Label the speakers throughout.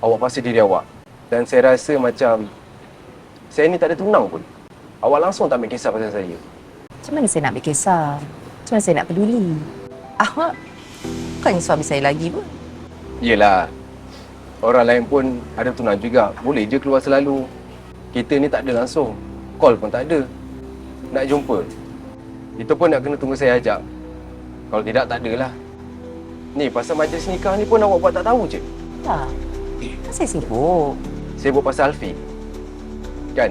Speaker 1: awak pasti diri awak. Dan saya rasa macam saya ni tak ada tunang pun. Awak langsung tak ambil kisah pasal saya.
Speaker 2: Macam mana saya nak ambil kisah? Macam mana saya nak peduli? Awak bukannya suami saya lagi pun.
Speaker 1: Yelah, orang lain pun ada tunang juga. Boleh je keluar selalu. Kita ni tak ada langsung. Call pun tak ada. Nak jumpa, itu pun nak kena tunggu saya ajak. Kalau tidak, tak adalah. Ni, pasal majlis nikah ni pun awak buat tak tahu je.
Speaker 2: Tak. Kan saya sibuk.
Speaker 1: Sibuk pasal Alfie. Kan?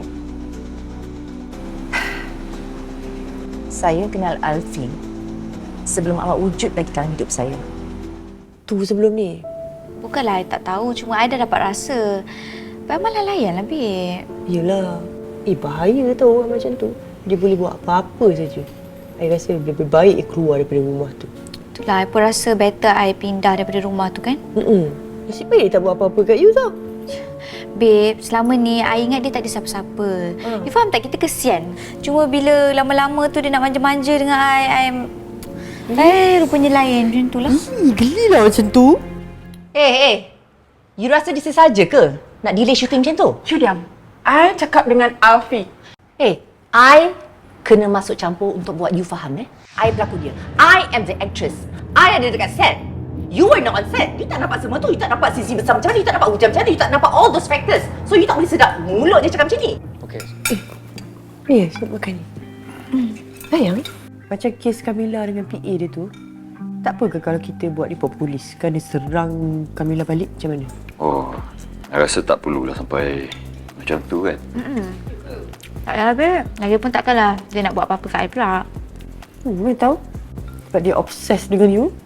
Speaker 2: Saya kenal Alfie sebelum awak wujud lagi dalam hidup saya.
Speaker 3: Tu sebelum ni.
Speaker 4: Bukanlah I tak tahu, cuma I dah dapat rasa. Baik malah layan lah, Beb.
Speaker 3: Yelah. Bahaya tau orang macam tu. Dia boleh buat apa-apa saja. I rasa lebih baik keluar daripada rumah tu.
Speaker 4: Itulah, I pun rasa better I pindah daripada rumah tu kan.
Speaker 3: Nasib baik dia tak buat apa-apa kat you tau.
Speaker 4: Babe, selama ni I ingat dia tak ada siapa-siapa. You faham tak? Kita kesian. Cuma bila lama-lama tu dia nak manja-manja dengan I, rupanya lain macam tu lah.
Speaker 3: Gelilah macam tu.
Speaker 2: You rasa dia saja ke nak delay shooting macam tu?
Speaker 5: You diam. I cakap dengan Alfie.
Speaker 2: I kena masuk campur untuk buat you faham I pelakon dia. I am the actress. I ada dekat set. You were not on set. You tak nampak semua tu. You tak nampak sisi besar macam mana. You tak nampak hujan macam mana. You tak nampak all those factors. So you tak boleh sedap mulut dia cakap macam ni.
Speaker 1: Okey.
Speaker 3: Sebab makan ni. Sayang, macam kes Kamila dengan PA dia tu, tak apa ke kalau kita buat report polis? Kan dia serang Kamila balik macam mana?
Speaker 6: Oh, saya rasa tak perlulah sampai macam tu kan.
Speaker 4: Tak payah, Beb. Lagipun takkanlah dia nak buat apa-apa kat I pula.
Speaker 3: Mana tahu? Sebab dia obses dengan you.